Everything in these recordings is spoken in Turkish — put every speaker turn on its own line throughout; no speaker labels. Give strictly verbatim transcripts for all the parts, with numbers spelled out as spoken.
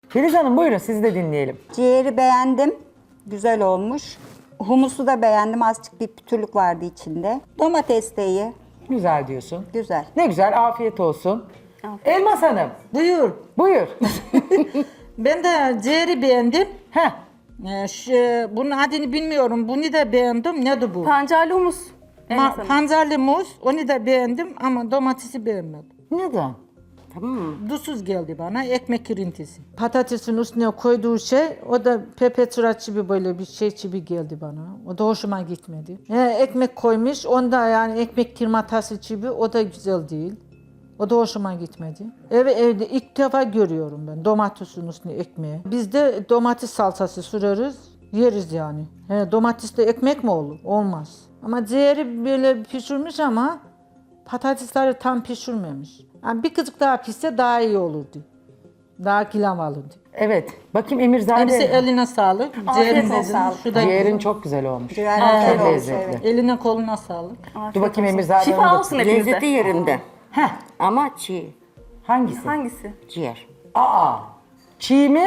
Filiz Hanım buyurun sizi de dinleyelim.
Ciğeri beğendim. Güzel olmuş. Humusu da beğendim. Azıcık bir pütürlük vardı içinde. Domates de iyi.
Güzel diyorsun.
Güzel.
Ne güzel afiyet olsun. Elmas Hanım
Buyur.
buyur.
Ben de ciğeri beğendim.
Heh.
Ee, şu, bunun adını bilmiyorum. Bunu da beğendim. Nedir bu?
Pancarlı humus. Enes
Ma-
Hanım.
pancarlı muz. Onu da beğendim ama domatesi beğenmedim.
Neden?
Duzsuz geldi bana. Ekmek kirintisi. Patatesin üstüne koyduğu şey, o da pepetraç gibi böyle bir şey gibi geldi bana. O da hoşuma gitmedi. He, ekmek koymuş. Onda yani ekmek kirmatası gibi, o da güzel değil. O da hoşuma gitmedi. Ev, evde ilk defa görüyorum ben domatesin üstüne ekmeği. Biz de domates salçası süreriz, yeriz yani. He, domatesle ekmek mi olur? Olmaz. Ama ciğeri böyle pişirmiş ama patatesleri tam pişirmemiş. Yani bir kızık daha pişse daha iyi olurdu. Daha kilam alırdı.
Evet. Bakayım Emirzade.
Hepsi eline sağlık. Ciğerin
olsun.
dedin. Şu da
Ciğerin çok güzel olmuş.
Ciğer
Çok
güzel olmuş,
lezzetli.
evet.
eline koluna sağlık.
Dur bakayım Emirzade.
Şifa
Hanım'a
olsun
bakayım.
hepinize.
Lezzeti yerinde.
Heh.
Ama çiğ.
Hangisi?
Hangisi?
Ciğer.
Aa. Çiğ mi?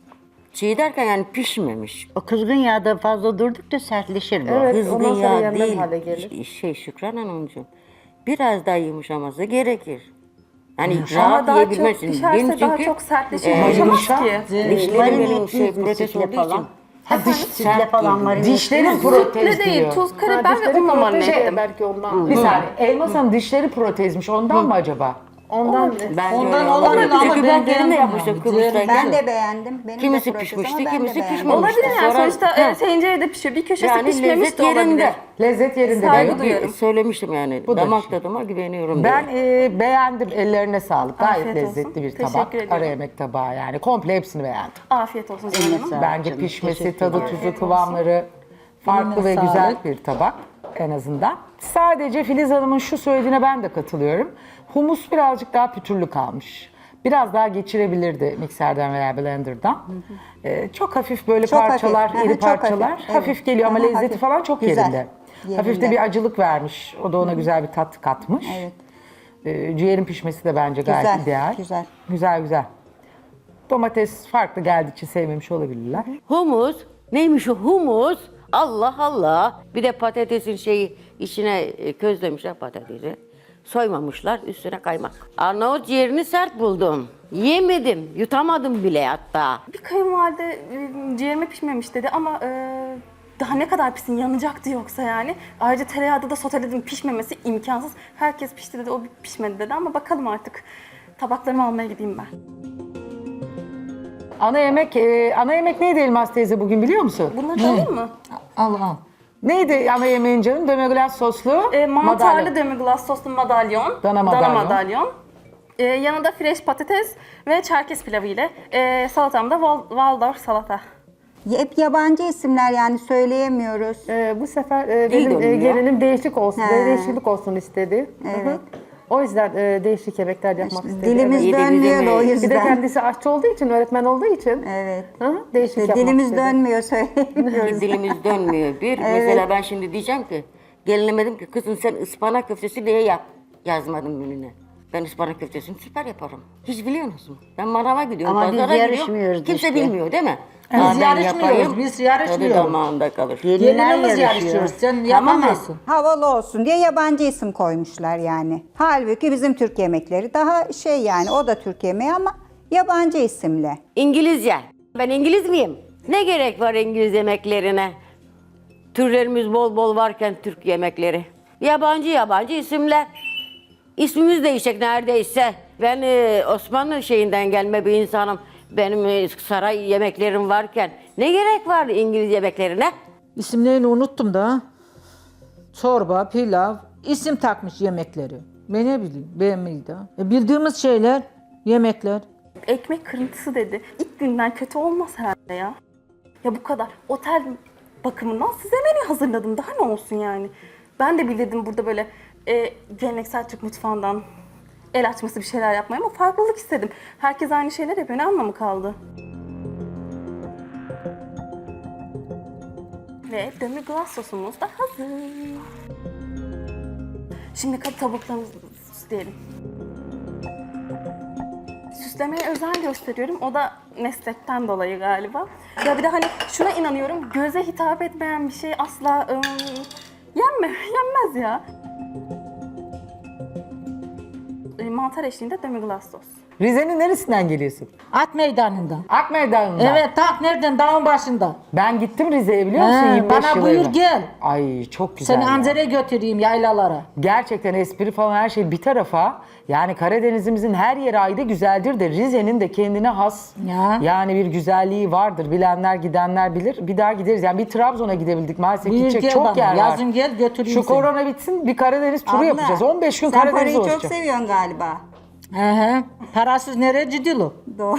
Çiğ derken yani pişmemiş.
O kızgın yağda fazla durdukça sertleşir bu.
Evet,
Kızgın
ondan sonra
yağ
yenmez
değil.
hale gelir.
Şey Şükran Hanımcığım. Biraz daha yumuşaması gerekir. Yani
Ama
rahat
daha çok
yiyebilmezsin.
pişerse
Benim
daha
çünkü
çok sertleşir.
e,
Yumuşamaz
yumuşak.
ki.
dişlerim benim şey
etli
protez
sütle
olduğu
falan.
için.
Ha diş,
Sütle falan var.
dişlerin
Sütle
protez
değil,
diyor.
tuz,
Ha,
karabiber ve
dişleri
unla marine
protej
ettim.
belki ondan.
Bir saniye. Elmas Hanım dişleri protezmiş. Ondan mı acaba?
Ondan
Ben
Ondan
öyle
olabilir
olabilir.
ama
Çünkü
ben
ben kendim de
beğendim
yapmıştım
yani.
Kıbrıs'tayken.
Ben de beğendim. Benim
Kimisi
de protez
pişmişti,
ama ben de
kimisi
beğendim.
pişmemişti.
Olabilir yani
Sonra-
sonuçta
Ha.
e, tencerede pişiyor. Bir köşesi
Yani
pişmemiş
lezzet
de olabilir.
yerinde.
Lezzet yerinde
Saygı
diyor.
duyuyorum.
Bir söylemiştim yani.
Bu da
Damak
bir şey.
tadıma güveniyorum
Ben
diye.
e, beğendim. Ellerine sağlık. Gayet
Afiyet olsun.
lezzetli bir
Teşekkür
tabak.
ediyorum.
Ara yemek tabağı yani. Komple hepsini beğendim.
Afiyet olsun Zeynep Hanım.
Sağ ol
Bence
canım,
pişmesi,
teşekkür
tadı,
ederim.
tuzu, kıvamları farklı
Eline
ve
sağlık.
güzel bir tabak en azından. Sadece Filiz Hanım'ın şu söylediğine ben de katılıyorum. Humus birazcık daha pütürlü kalmış. Biraz daha geçirebilirdi mikserden veya blenderdan. Ee, çok hafif böyle
Çok
parçalar,
hafif.
iri
Aha, çok
parçalar.
hafif,
Hafif,
evet.
geliyor ama
Aha,
lezzeti
hafif.
falan çok
Güzel.
yerinde. Hafif de
Yerinde.
bir acılık vermiş. O da ona güzel bir tat katmış.
Evet.
Ee, ciğerin pişmesi de bence gayet
Güzel,
ideal.
güzel.
Güzel güzel. Domates farklı geldiği için sevmemiş olabilirler.
Humus. Neymiş o humus? Allah Allah. Bir de patatesin şeyi içine e, közlemişler patatesi. Soymamışlar üstüne kaymak. Arnavut ciğerini sert buldum. Yemedim. Yutamadım bile hatta.
Bir kayınvalide e, ciğerime pişmemiş dedi ama e, daha ne kadar pişsin yanacaktı yoksa yani. Ayrıca tereyağda da soteledim, pişmemesi imkansız. Herkes pişti dedi, o pişmedi dedi ama bakalım artık. Tabaklarımı almaya gideyim ben.
Ana yemek, e, ana yemek neydi Elmas teyze bugün biliyor musun?
Bunları da alayım mı?
Al al.
Neydi ana yemeğin canım? Dömeglas soslu.
E, mantarlı
madalya.
demi-glace soslu madalyon.
Dana madalyon.
madalyon. E, yanında fresh patates ve çerkez pilavı ile. E, salatam da Wal- Waldorf salata.
Hep yabancı isimler yani söyleyemiyoruz.
Ee, bu sefer e,
İyi
benim e,
görünüyor.
gelinim değişik olsun,
He.
değişiklik olsun istedi.
Evet.
O yüzden e, değişik yemekler yapmak istedi.
Dilimiz
Yedi
dönmüyor da o
bize mi?
Evet. Bir de
yüzden.
kendisi aşçı olduğu için, öğretmen olduğu için
Evet.
hı, değişik
İşte
yapmak
dilimiz
istedi.
dönmüyor söyleyemiyoruz.
Dilimiz dönmüyor. Bir, mesela ben şimdi diyeceğim ki, gelinime dedim ki kızım sen ıspanak köftesi diye yap. Yazmadım menüne. Ben ıspanak köftesini süper yaparım. Hiç biliyor musun? Ben manava gidiyorum,
Ama biz
pazara
yarışmıyoruz
gidiyorum. Kimse
işte.
bilmiyor değil mi?
Biz
Aa, ben
yarışmıyoruz,
yapayım,
biz yarışmıyoruz.
tadı damağında kalır.
Gelinler
Gelinimiz
yarışıyor.
yarışıyoruz. Sen
Tamam mı?
yapamazsın.
Havalı olsun diye yabancı isim koymuşlar yani. Halbuki bizim Türk yemekleri daha şey yani o da Türk yemeği ama yabancı isimle.
İngilizce. Ben İngiliz miyim? Ne gerek var İngiliz yemeklerine? Türlerimiz bol bol varken Türk yemekleri. Yabancı yabancı isimler. İsmimiz değişecek neredeyse. Ben e, Osmanlı şeyinden gelme bir insanım. Benim e, saray yemeklerim varken ne gerek var İngiliz yemeklerine?
İsimlerini unuttum da. Çorba, pilav, isim takmış yemekleri. Ben ne bileyim, beğenmeyi de. E, bildiğimiz şeyler, yemekler.
Ekmek kırıntısı dedi. İlk günden kötü olmaz herhalde ya. Ya bu kadar. Otel bakımından size menü hazırladım. Daha ne olsun yani. Ben de bilirdim burada böyle e, geleneksel Türk mutfağından el açması bir şeyler yapmayı ama farklılık istedim. Herkes aynı şeyler yapıyor. Ne anlamı kaldı? Ve demi-glace sosumuz da hazır. Şimdi kat tavuklarımızı süsleyelim. Süslemeye özen gösteriyorum. O da meslekten dolayı galiba. Ya bir de hani şuna inanıyorum, göze hitap etmeyen bir şey asla ım, yenme, yenmez ya. E, Mantar eşliğinde demi-glace sos.
Rize'nin neresinden geliyorsun?
At meydanında.
Ak Meydanı'ndan.
Evet, tak nereden? Dağın başında.
Ben gittim Rize'ye biliyor musun?
He,
yirmi beş
bana
yıl
buyur
evvel.
gel.
Ay çok güzel.
Seni
ya.
Anzer'e götüreyim yaylalara.
Gerçekten espri falan her şey bir tarafa. Yani Karadenizimizin her yeri ayrı güzeldir de Rize'nin de kendine has
Ya.
yani bir güzelliği vardır. Bilenler gidenler bilir. Bir daha gideriz. Yani bir Trabzon'a gidebildik. Maalesef
Buyur
gidecek
gel
çok
bana.
yer var.
Yazın gel götüreyim
Şu
seni.
korona bitsin bir Karadeniz turu
Abla,
yapacağız. on beş gün
sen
Karadeniz
parayı çok
olacak.
seviyorsun galiba.
He he. Parasız nereye cidilo?
Doğru.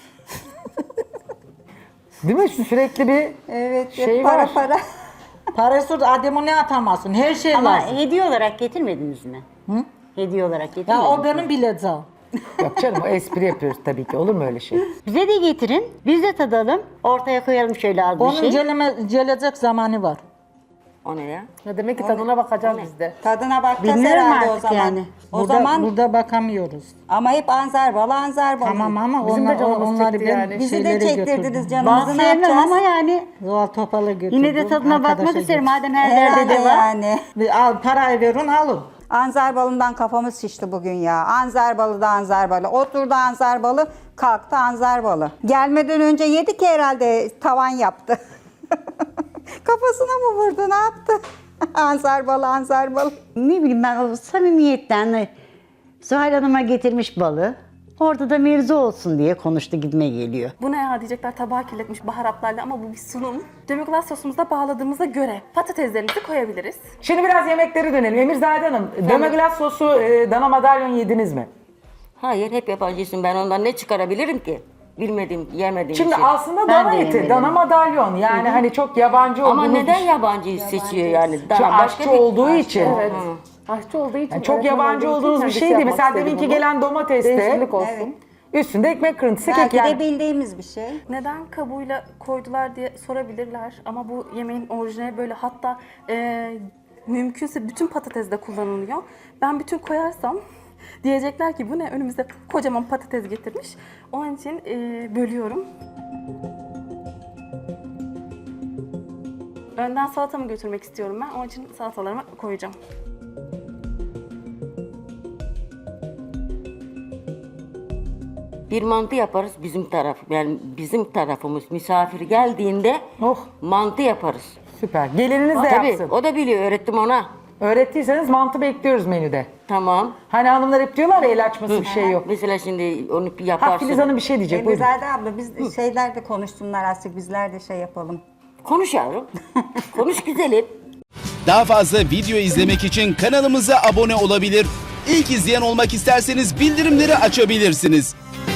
Değil mi? Sürekli bir
Evet,
şey
para
var.
para.
Parasız adamı ne atamazsın? Her şey
Ama
lazım.
hediye olarak getirmediniz mi? Hı? Hediye olarak
Ya
getirmediniz
o
mi?
benim bileceğim.
Yok canım o espri yapıyoruz tabii ki. Olur mu öyle şey?
Bize de getirin. Biz de tadalım. Ortaya koyalım şöyle az bir
Onun
şey.
celeme, gelecek zamanı var.
O ne ya?
Ya demek ki tadına bakacağız biz de.
Tadına bakacağız
Bilmiyorum
herhalde o
artık
zaman.
yani.
O
Burada,
zaman
burada bakamıyoruz.
ama hep anzar balı anzar balı.
Tamam ama
Bizim de
onlar,
canımız
onları
çekti
ben
yani.
Bizi de
şeylere
çektirdiniz
götürdüm.
Ben
canımızı ne
sevmem
yapacağız?
ama yani
Zuhal Topal'a götürdüm.
yine de tadına bakmak
arkadaşa
isterim.
götürdüm.
Madem her yerde de var.
yani.
Bir Al, parayı verin alın.
Anzar balından kafamız şişti bugün ya. Anzar balı da anzar balı. Oturdu anzar balı, kalktı anzar balı. Gelmeden önce yedik herhalde tavan yaptı. Kafasına mı vurdu ne yaptı? Anzar balı anzar balı.
Ne bileyim ben o samimiyetten de Zuhal Hanım'a getirmiş balı. Orada da mevzu olsun diye konuştu gibime geliyor.
Bu ne ya diyecekler, tabağı kirletmiş baharatlarla ama bu bir sunum. Demi-glace sosumuza bağladığımıza göre patateslerimizi koyabiliriz.
Şimdi biraz yemeklere dönelim. Emirzade Hanım, demi-glace sosu e, dana madalyon yediniz mi?
Hayır, hep yabancısın. Ben ondan ne çıkarabilirim ki? Bilmediğim, yemediğim
Şimdi
şey.
aslında
Ben
dana
de
eti,
yemedim.
dana madalyon. Yani hani çok yabancı
Ama
olduğumuz
neden
bir-
yabancıyı seçiyor yani?
Şu
Daha
aşçı olduğu için.
Evet. Aşçı olduğu için.
Yani çok
öğretmen
yabancı
olduğu için
olduğunuz bir
kendisi
şey değil.
yapmak
Mesela
istedi
deminki
bunu.
gelen domateste
Değişiklik olsun.
üstünde ekmek kırıntısı kek
Belki
yani.
de bildiğimiz bir şey.
Neden kabuğuyla koydular diye sorabilirler ama bu yemeğin orijinali böyle, hatta e, mümkünse bütün patates de kullanılıyor. Ben bütün koyarsam diyecekler ki bu ne, önümüze kocaman patates getirmiş. Onun için e, bölüyorum. Önden salatamı götürmek istiyorum ben. Onun için salatalarımı koyacağım.
Bir mantı yaparız bizim taraf. Yani bizim tarafımız misafir geldiğinde
Oh.
mantı yaparız.
Süper. Gelininiz de
Tabii
yapsın.
o da biliyor, öğrettim ona.
Öğrettiyseniz mantı bekliyoruz menüde.
Tamam.
Hani hanımlar hep diyorlar ya el açması bir şey yok.
Mesela şimdi onu
Ha
yaparsın.
Filiz Hanım bir şey diyecek. Buyurun.
Emizade abla biz şeyler de konuşsunlar artık bizler de şey yapalım.
Konuş yavrum. Konuş güzelim.
Daha fazla video izlemek için kanalımıza abone olabilir. İlk izleyen olmak isterseniz bildirimleri açabilirsiniz.